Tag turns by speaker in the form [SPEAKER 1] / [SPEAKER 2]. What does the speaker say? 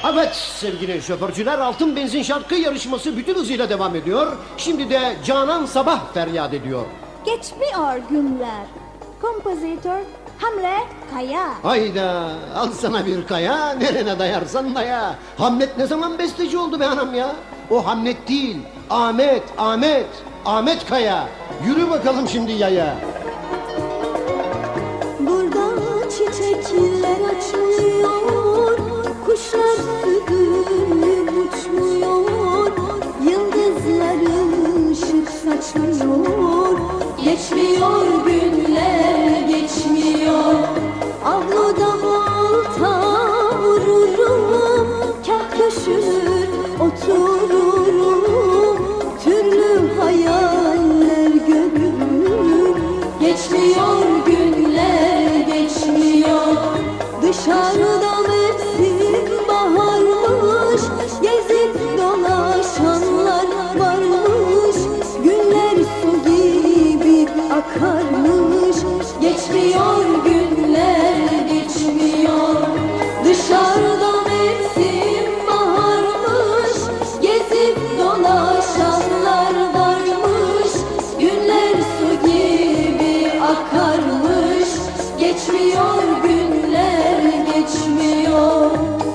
[SPEAKER 1] Evet sevgili şoförcüler, Altın Benzin şarkı yarışması bütün hızıyla devam ediyor. Şimdi de Canan Sabah feryat ediyor.
[SPEAKER 2] Geçmiyor günler. Kompozitör Hamle Kaya.
[SPEAKER 1] Hayda, al sana bir kaya, nerene dayarsan daya. Hamlet ne zaman besteci oldu be anam ya? O Hamlet değil, Ahmet Kaya. Yürü bakalım şimdi yaya.
[SPEAKER 2] Burada çiçekler açmıyor, kuşlar süzülüp uçmuyor, yıldızların ışık saçmıyor. Geçmiyor günler, geçmiyor. Avluda volta vururum, kah köşülür otururum, türlü hayaller görürüm. Geçmiyor günler, geçmiyor. Dışarıda mevsim baharmış, gezip dolaşanlar varmış. Günler su gibi akarmış. Geçmiyor günler, geçmiyor. Dışarıda mevsim baharmış, gezip dolaşanlar varmış. Günler su gibi akarmış. Geçmiyor günler, geçmiyor.